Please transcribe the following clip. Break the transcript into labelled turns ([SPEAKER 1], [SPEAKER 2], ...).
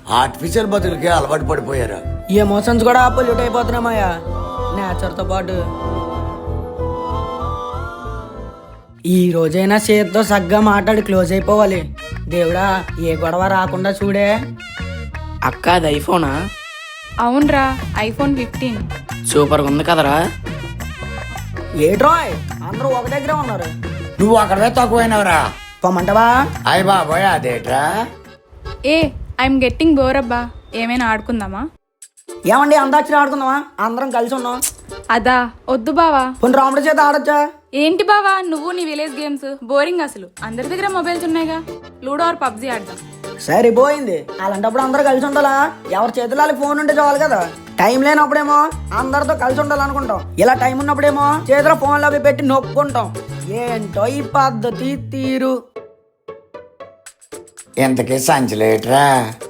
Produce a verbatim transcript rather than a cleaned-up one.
[SPEAKER 1] Artificial బతులకి అలవాటు పడిపోయారు.
[SPEAKER 2] Emotions కూడా పొల్యూట్ అయిపోతున్నామయ్యా నేచర్తో పాటు. ఈ రోజైనా చేతితో సగ్గా మాట్లాడి క్లోజ్ అయిపోవాలి. దేవుడా ఏ గొడవ రాకుండా చూడే.
[SPEAKER 3] అక్క అది ఐఫోనా?
[SPEAKER 4] అవునరా, ఐఫోన్ ఫిఫ్టీన్.
[SPEAKER 3] సూపర్గా ఉంది కదరా.
[SPEAKER 2] ఏట్రాయ్ అందరూ ఒక దగ్గరే ఉన్నారు,
[SPEAKER 1] నువ్వు అక్కడే తక్కువైనవరా.
[SPEAKER 2] పొమ్మంటవా?
[SPEAKER 1] అయ్య బాబోయ్ అదేట్రా.
[SPEAKER 4] ఏ ఐఎమ్ గెట్టింగ్ బోర్ అబ్బా, ఏమైనా ఆడుకుందామా?
[SPEAKER 2] ఏమండి అందాక్షరి ఆడుకుందామా? అందరం కలిసి ఉన్నాం.
[SPEAKER 4] అదా వద్దు బావా.
[SPEAKER 2] కొన్ని రాముడి చేత ఆడొచ్చా?
[SPEAKER 4] ఏంటి బావా నువ్వు నీ విలేజ్ గేమ్స్ బోరింగ్, అసలు అందరి దగ్గర మొబైల్స్ ఉన్నాయిగా. లూడో ఆర్ పబ్జీ ఆడదాం.
[SPEAKER 2] సరిపోయింది. అలాంటప్పుడు అందరూ కలిసి ఉండాలా? ఎవరి చేతిలో వాళ్ళకి ఫోన్ ఉంటే చాలు కదా. టైం లేనప్పుడేమో అందరితో కలిసి ఉండాలనుకుంటాం, ఇలా టైం ఉన్నప్పుడేమో చేతిలో ఫోన్లో అవి పెట్టి నొక్కుంటాం. ఏంటో ఈ పద్ధతి తీరు.
[SPEAKER 1] ఇంతకీ సంచలేట్రా.